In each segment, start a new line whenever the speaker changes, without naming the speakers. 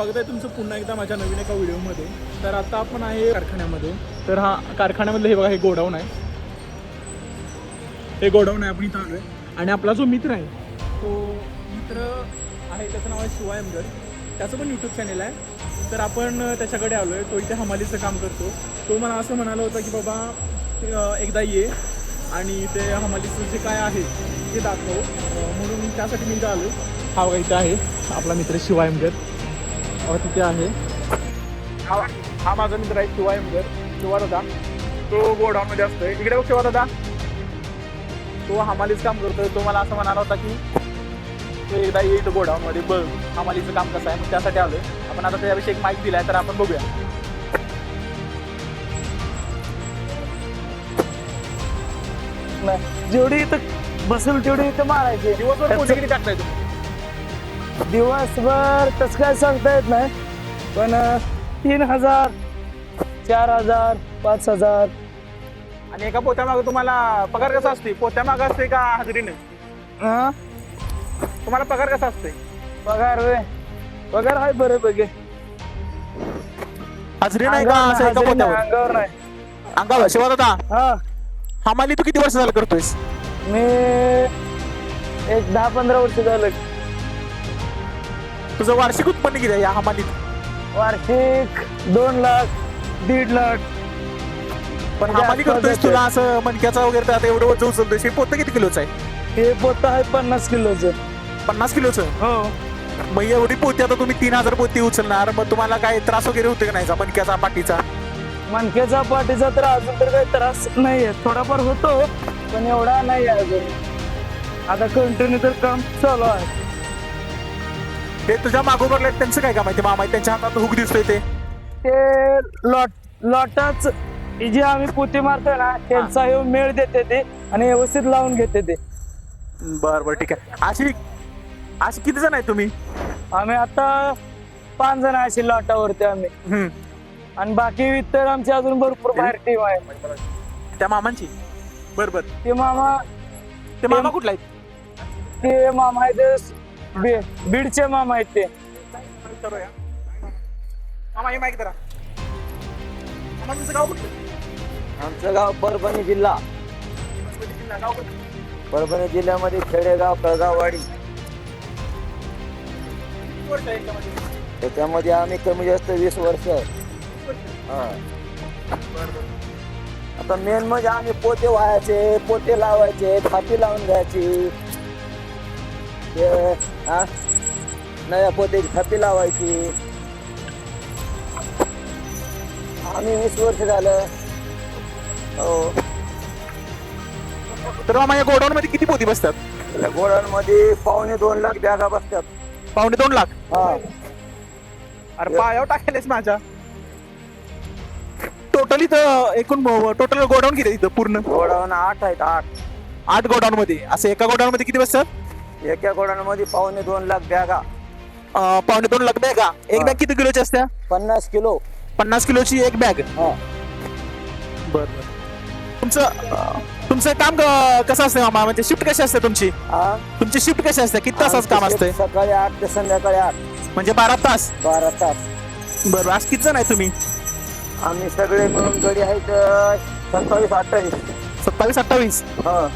स्वागत आहे तुमचं पुन्हा एकदा माझ्या नवीन एका व्हिडिओमध्ये. तर आता आपण आहे कारखान्यामध्ये. तर हा कारखान्यामधलं हे बघा, हे गोडाऊन आहे. हे गोडाऊन आहे, आपण इथं आलो आहे. आणि आपला जो मित्र आहे तो मित्र आहे, त्याचं नाव आहे शिवाय अमगड. त्याचं पण यूट्यूब चॅनल आहे. तर आपण त्याच्याकडे आलो आहे. तो इथे हमालीचं काम करतो. तो मला असं म्हणाला होता की बाबा एकदा ये आणि ते हमालीचं जे काय आहे ते दाखव, म्हणून त्यासाठी मी इथं आलो. हा बघा इथं आहे आपला मित्र शिवाय अमगड. तिथे आहे हा माझा मित्र आहे शिवाय अमगड. शिवा दादा तो गोडाऊनमध्ये असतोय. इकडे बघ शिवा दादा, तो हमालीचं काम करतोय. तो मला असं म्हणाला होता की तो एकदा येईल गोडाऊनमध्ये, बघ हमालीचं काम कसं आहे. मग त्यासाठी आलोय आपण. आता त्याविषयी एक माहिती दिलाय, तर आपण बघूया.
जेवढी इथं बसेल तेवढी इथं मारायची.
दिवसभर पोते किती टाकताय तुम्ही?
दिवसभर तसं काय सांगता येत नाही, पण 3000, 4000, 5000.
आणि एका पोत्यामागं तुम्हाला पगार कसा असते? पोत्यामागं असते का हजेरीने?
हा
तुम्हाला पगार कसा असते?
पगार वे पगार आहे बऱ्यापैकी.
हजेरी नाही का असं एका पोत्यावर?
अंगावर नाही.
अंगावर. शिवा दादा
हा
हमाली तू किती वर्ष झालं करतोयस?
मी एक 10-15 वर्ष झालं.
तुझं वार्षिक उत्पन्न किती आहे या हमालीत?
वार्षिक 2 लाख, 1.5 लाख.
पण हमाली करतोयस, तुला असं मणक्याचा वगैरे आता एवढं वजन उचलतोय. हे पोतं किती किलोचं आहे?
हे पोतं आहे 50 किलोचं.
50 किलोचं?
हो.
मग एवढी पोती आता तुम्ही 3000 पोती उचलणार, मग तुम्हाला काय त्रास वगैरे होते का नाही मणक्याचा, पाठीचा?
मणक्याचा पाठीचा तर अजून तर काही त्रास नाहीये. थोडाफार होतो पण एवढा नाही अजून. आता कंटिन्यू तर काम चालू आहे.
हे तुझ्या मागोबरला त्यांचं काय काम आहे? ते मामा आहे, त्यांच्या हातात हुक दिसतोय ते
लॉटाच जे आम्ही पोती मारतोय ना, त्यांचा हे मेळ देते ते आणि व्यवस्थित लावून घेते ते.
बरं ठीक आहे. अशी किती जण आहे तुम्ही?
आम्ही आता 5 जण आहे अशी लॉटावरती आम्ही. आणि बाकी इतर आमची अजून भरपूर बाहेर टीम आहे.
त्या मामांची? बरोबर.
ते मामा
कुठला आहेत?
ते मामा आहेत बीडचे मामा आहेत ते.
मामा हे माहिती करा. मामा तुमचं गाव कुठलं?
आमचं गाव परभणी जिल्हा.
गाव कुठलं?
परभणी जिल्ह्यामध्ये खेडेगाव, कळगाववाडी.
किती वर्ष आहे याच्यामध्ये?
त्याच्यामध्ये आम्ही कमी जास्त 20 वर्ष आहे. हा. आता मेन म्हणजे आम्ही पोते व्हायचे, पोते लावायचे, थापी लावून घ्यायची. नव्या पोत्याची थापी लावायची. आम्ही 20 वर्ष झालं. हो.
तर मामा या गोडाऊन मध्ये किती पोती बसतात?
गोडाऊनमध्ये 2.25 लाख बॅगा बसतात.
2.25 लाख?
हा.
अरे पायावर टाकेलच माझ्या. टोटली तर एकूण टोटल गोडाऊन किती इथं पूर्ण?
गोडाऊन 8 आहेत.
8 गोडाऊन मध्ये. असं एका गोडाऊन मध्ये किती बसतात?
एका गोडाऊनमध्ये 2.25 लाख बॅगा.
2.25 लाख बॅगा. एक बॅग किती किलोची असते?
50 किलो.
50 किलोची एक बॅग. बरं. तुमचं काम कसं असतं मामा? म्हणजे शिफ्ट कशी असते तुमची? तुमची शिफ्ट कशी असते? किती तासाचं काम असतंय?
सकाळी 8 ते संध्याकाळी 8.
म्हणजे 12 तास?
12 तास.
बरं. आज किती जण आहे तुम्ही?
आम्ही सगळे मिळून गडी आहेत 27-28.
27-28.
हा.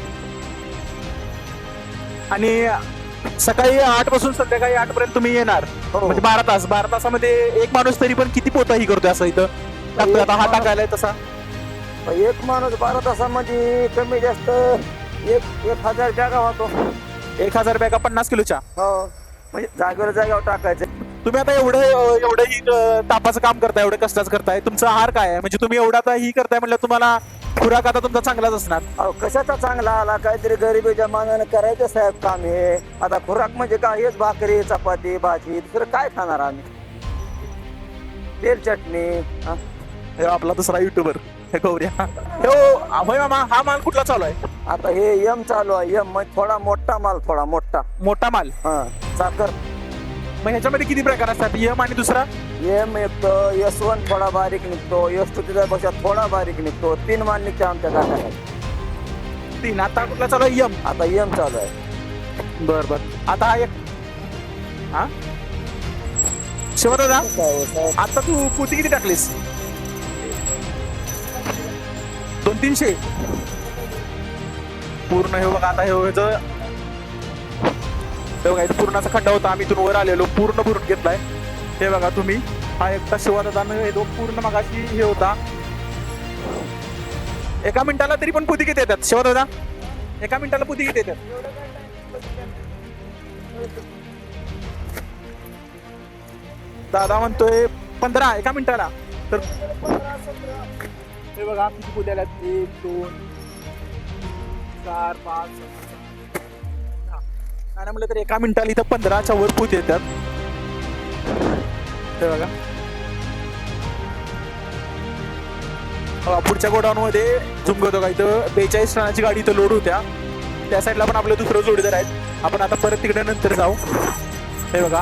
आणि सकाळी 8 पासून संध्याकाळी 8 पर्यंत तुम्ही येणार.
हो.
म्हणजे 12 तास. 12 तासामध्ये एक माणूस तरी पण किती पोता ही करतोय असं इथं टाकतोय? आता हा टाकायलाय तसा
एक माणूस 12 तासामध्ये कमी जास्त 1000 बॅगा होतो.
1000 बॅगा 50 किलोच्या.
हो. म्हणजे जागेवर टाकायचं.
तुम्ही आता एवढं ही तापाचं काम करताय, एवढं कष्टाचं करताय. तुमचा आहार काय आहे? म्हणजे तुम्ही एवढा आता ही करताय म्हणलं, तुम्हाला खुराक आता तुमचा चांगलाच असणार.
अहो कशाचा चांगला आला? काहीतरी गरिबीच्या मानानं करायचं साहेब काम हे. आता खुराक म्हणजे काय? हेच भाकरी, चपाती, भाजी. दुसरं काय खाणार आम्ही? तेल चटणी.
हे आपला दुसरा युट्यूबर हे गौऱ्या. होय मामा, हा माल कुठला चालू आहे?
आता हे यम चालू आहे. यम म्हणजे थोडा मोठा माल. थोडा
मोठा माल.
हा. साखर.
मग ह्याच्यामध्ये किती प्रकार असतात? यम आणि दुसरा?
एम निघतो, S1 थोडा बारीक निघतो, S2 त्याच्यापेक्षा थोडा बारीक निघतो. 3 माल निघते आमच्या कारखान्यात.
3. आता कुठला चालू आहे? यम.
आता यम चालू आहे.
बर. आता हा एक शिवा दादा
काय हो साहेब?
आता तू पोती किती टाकलीस 200-300 पूर्ण. हे बघा आता हे बघा इथं पूर्णाचा खड्डा होता, आम्ही इथून वर आलेलो पूर्ण भरून घेतलाय. हे बघा तुम्ही, हा एकटा शिवादादानं हे पूर्ण मगाशी हे होता. एका मिनिटाला तरी पण पोती किती येतात शिवादादा? एका मिनिटाला पोती किती येतात? दादा म्हणतोय 15 एका मिनिटाला. तर हे बघा किती पोती आल्यात, 1 2 4 5 आणि म्हटलं तर एका मिनिटाला इथं 15च्या वर पोती येतात. हे बघा पुढच्या गोडाऊन मध्ये झुम करतो का इथं 42 टनाची गाडी इथं लोड होत्या. त्या साईडला पण आपलं दुसरं जोडीदार आहेत. आपण आता परत तिकडे नंतर जाऊ. हे बघा